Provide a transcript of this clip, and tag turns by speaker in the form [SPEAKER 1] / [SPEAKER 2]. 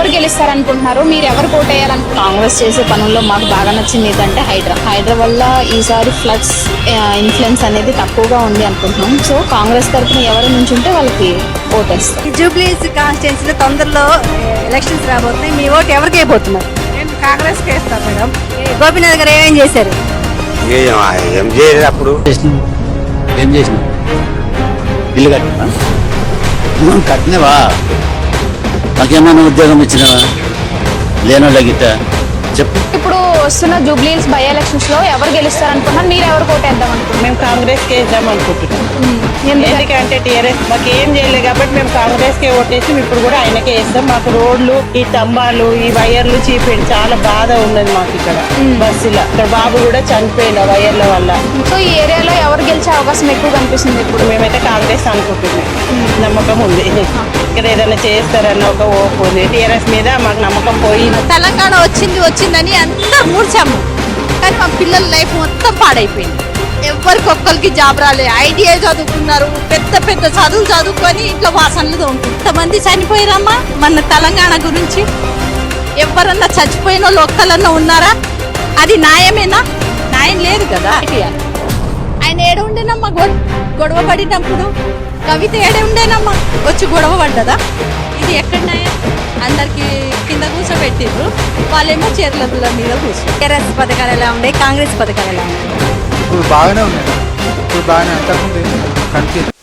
[SPEAKER 1] ఎవరు గెలుస్తారనుకుంటున్నారు? మీరు ఎవరు కోటేయాలనుకుంటున్నారు? కాంగ్రెస్ చేసే పనుల్లో మాకు బాగా నచ్చింది ఏంటంటే హైడ్రా వల్ల ఈసారి ఫ్లడ్స్ ఇన్ఫ్లుయెన్స్ అనేది తక్కువగా ఉంది అనుకుంటున్నాం. సో కాంగ్రెస్ తరఫున ఎవరు నుంచి ఉంటే వాళ్ళకి ఓటేస్తారు.
[SPEAKER 2] జూబ్లీస్ కాన్స్టిట్యున్సీలో తొందరలో ఎలక్షన్స్ రాబోతున్నాయి. మీ ఓటు ఎవరికి అయిపోతున్నారు?
[SPEAKER 3] నేను కాంగ్రెస్కి వేస్తాను మేడం.
[SPEAKER 2] గోపీనాథ్ గారు ఏమేం చేశారు?
[SPEAKER 4] ఏం చేయలేదు అప్పుడు.
[SPEAKER 5] ఏం చేసిన ఇల్లు కట్టినా కట్టినవా? నాకేమన్నా ఉద్యోగం ఇచ్చినవా? లేనోళ్ళ గిట్ట చెప్పు.
[SPEAKER 1] ఇప్పుడు వస్తున్న జూబ్లీస్ బై ఎలక్షన్స్ లో ఎవరు గెలుస్తారనుకుంటున్నారు? మీరు ఎవరు కోటేద్దాం అనుకుంటున్నారు?
[SPEAKER 3] మేము కాంగ్రెస్కి వేద్దాం అనుకుంటున్నాం. ఎందుకంటే టీఆర్ఎస్ మాకు ఏం చేయలేదు కాబట్టి మేము కాంగ్రెస్కే ఓటేసి ఇప్పుడు కూడా ఆయనకే వేస్తాం. మాకు రోడ్లు, ఈ స్తంభాలు, ఈ వైర్లు చీపేది చాలా బాధ ఉన్నది మాకు ఇక్కడ బస్సులో. ఇక్కడ బాబు కూడా చనిపోయిన వైర్ల వల్ల.
[SPEAKER 1] సో ఈ ఏరియాలో ఎవరు గెలిచే అవకాశం ఎక్కువ కనిపిస్తుంది? ఇప్పుడు
[SPEAKER 3] మేమైతే కాంగ్రెస్ అనుకుంటున్నాం. నమ్మకం ఉంది ఇక్కడ ఏదైనా చేస్తారన్న ఒక ఓపు ఉంది. టీఆర్ఎస్ మీద మాకు నమ్మకం పోయింది.
[SPEAKER 2] తెలంగాణ వచ్చిందని అంతా మూర్చాము, కానీ మా పిల్లల లైఫ్ మొత్తం పాడైపోయింది. ఎవరికొక్కరికి జాబ్ రాలే. ఐడియా చదువుకున్నారు, పెద్ద పెద్ద చదువులు చదువుకొని ఇంట్లో వాసనలు తోముకుంటారు. ఇంతమంది చనిపోయారమ్మా మన తెలంగాణ గురించి. ఎవరన్నా చచ్చిపోయిన వాళ్ళు ఒక్కలన్నా ఉన్నారా? అది న్యాయమేనా? న్యాయం లేదు కదా. ఆయన ఏడ ఉండేనమ్మా గొడవ పడినప్పుడు? కవిత ఏడే ఉండేనమ్మా వచ్చి గొడవ పడ్డదా? ఇది ఎక్కడ న్యాయం? అందరికి కింద కూర్చోబెట్టిర్రు, వాళ్ళేమో చీరల మీద కూర్చో. టీఆర్ఎస్ పథకాలు ఎలా ఉండే, కాంగ్రెస్ పథకాలు ఎలా ఉండే?
[SPEAKER 6] ఇప్పుడు బాగానే ఉన్నాయి. ఇప్పుడు బాగానే అంతకుముందు కనిపించింది.